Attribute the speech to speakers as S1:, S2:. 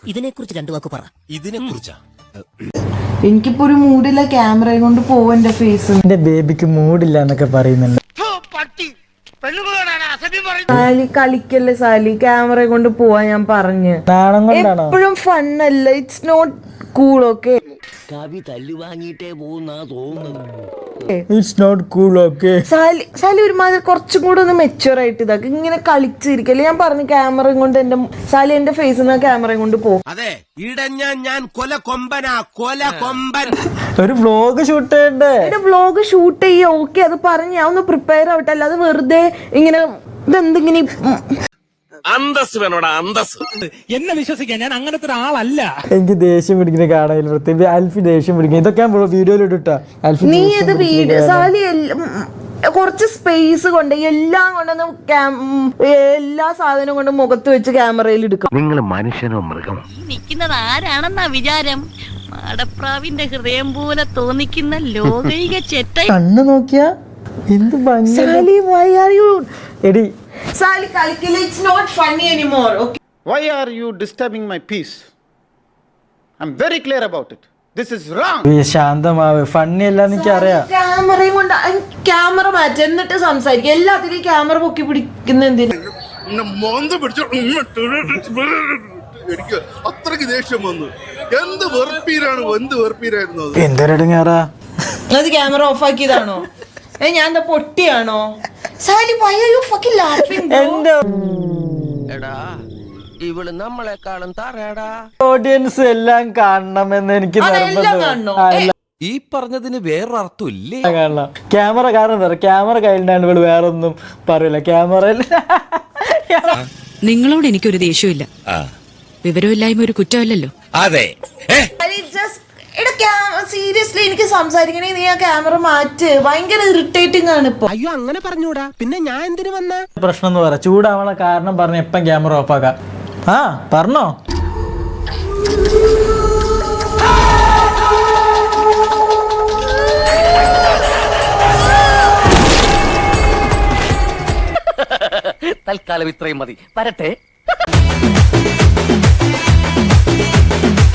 S1: ഇതിനെക്കുറിച്ച് രണ്ടു വാക്ക് പറ.
S2: ഇതിനെക്കുറിച്ചാ?
S3: എനിക്കിപ്പോ ഒരു മൂഡില്ല ക്യാമറയും കൊണ്ട് പോവാ എന്റെ ഫേസ്.
S4: എന്റെ ബേബിക്ക് മൂഡില്ല എന്നൊക്കെ പറയുന്നുണ്ട്.
S3: സാലി കളിക്കല്ലേ സാലി, ക്യാമറ കൊണ്ട് പോവാ ഞാൻ പറഞ്ഞ്.
S4: നാണം കൊണ്ടാണോ?
S3: എപ്പോഴും ഫണ്ണല്ല, it's not cool. Okay
S1: Kavi തല്ലുവാങ്ങിയിട്ടേ പോകുന്നാ തോന്നുന്നത്.
S4: It's not cool. Okay
S3: Sally ഒരുമാതിരി കുറച്ചും കൂടെ ഒന്ന് മെച്ചുവർ ആയിട്ട് ഇതാക്കി ഇങ്ങനെ കളിച്ചിരിക്കല്ലേ. ഞാൻ പറഞ്ഞു ക്യാമറയും കൊണ്ട് എന്റെ സാലി എന്റെ ഫേസിൽ നിന്ന് ക്യാമറയും കൊണ്ട് പോകും.
S2: അതെ, ഇടഞ്ഞ ഞാൻ കൊല കൊമ്പനാ, കൊല കൊമ്പൻ.
S4: ഒരു വ്ലോഗ് ഷൂട്ട് ചെയ്യണ്ടേ?
S3: എന്റെ വ്ലോഗ് ഷൂട്ട് ചെയ്യ. ഓക്കെ അത് പറഞ്ഞ് ഞാൻ ഒന്ന് പ്രിപ്പയർ ആവട്ടെ, അല്ലാതെ വെറുതെ ഇങ്ങനെ ഇതെന്തിങ്ങനെ.
S2: അന്തസ് വേണോടാ, അന്തസ്.
S5: എന്നെ വിശ്വസിക്കാൻ ഞാൻ അങ്ങനത്തെ ഒരാളല്ല.
S4: എനിക്ക് ദേഷ്യം പിടിക്കുന്ന കാണാൻ പ്രത്യേകിച്ച് അൽഫി ദേഷ്യം പിടിക്കുന്നത്. ഇതൊക്കെ ഞാൻ വീഡിയോയിൽ ഇട്ടാ. അൽഫി
S3: നീ ഇത് വീഡിയോ സാലി കുറച്ച് സ്പേസ് കൊണ്ട് എല്ലാം കൊണ്ടൊന്ന് എല്ലാ സാധനവും കൊണ്ട് മുഖത്ത് വെച്ച് ക്യാമറയിൽ എടുക്കും.
S6: നിങ്ങൾ മനുഷ്യനോ മൃഗം?
S7: നിൽക്കുന്നത് ആരാണെന്നാ വിചാരം? മാടപ്രാവിന്റെ ഹൃദയം പോലെ തോന്നിക്കുന്ന ലോകൈക ചെറ്റ.
S4: കണ്ണ് നോക്കിയാ എന്ത് ഭംഗി.
S3: സാലി why are you
S4: എടി
S3: സാലി കളിക്കില്ല. It's not funny anymore. Okay
S8: Why are you disturbing my peace? I'm very clear about it. This is wrong.
S4: ശാന്തമാവ്. ഫണ്ണി അല്ല എനിക്ക് അറിയാം.
S3: ക്യാമറയും കൊണ്ട് ക്യാമറ മാറ്റി എന്നിട്ട് സംസാരിക്കും. എല്ലാത്തിലും ക്യാമറ പൊക്കി പിടിക്കുന്ന എന്തിനാ?
S9: എനിക്ക് അത്രക്ക് ദേഷ്യം വന്നു. എന്ത് വെറുപ്പീരാണ്, എന്ത് വെറുപ്പീരായിരുന്നു അത്.
S4: എന്തൊരടുങ്ങാറാ.
S3: അത് ക്യാമറ ഓഫ് ആക്കിയതാണോ? ഞാൻ എന്താ പൊട്ടിയാണോ? Sally why are you fucking laughing bro?
S4: എന്റെ
S1: എടാ ഇവള് നമ്മളെക്കാളും തറയടാ.
S4: ഓഡിയൻസ് എല്ലാം കാണണമെന്ന് എനിക്ക്
S3: അതെല്ലാം കാണണോ?
S2: ഈ പറഞ്ഞതിന് വേറൊരർത്ഥം ഇല്ലേ?
S4: കാണണം. ക്യാമറ കാരണം എന്താ പറയുക, ക്യാമറ കയ്യിലാണ് ഇവള് വേറൊന്നും പറയില്ല. ക്യാമറ
S10: നിങ്ങളോട് എനിക്കൊരു ദേഷ്യമില്ല. വിവരമില്ലായ്മ ഒരു കുറ്റമല്ലല്ലോ.
S2: അതെ.
S3: സീരിയസ്ലി എനിക്ക് സംസാരിക്കണേ, നീ ആ ക്യാമറ മാറ്റ്. ഭയങ്കര ഇറിറ്റേറ്റിംഗ് ആണ് ഇപ്പൊ.
S1: അയ്യോ അങ്ങനെ പറഞ്ഞൂടാ, പിന്നെ ഞാൻ എന്തിനു വന്ന
S4: പ്രശ്നം എന്ന് പറ. ചൂടാവണ കാരണം പറഞ്ഞ എപ്പം ക്യാമറ ഓഫ് ആക്കാം. ആ പറഞ്ഞോ.
S1: തൽക്കാലം ഇത്രയും മതി. വരട്ടെ.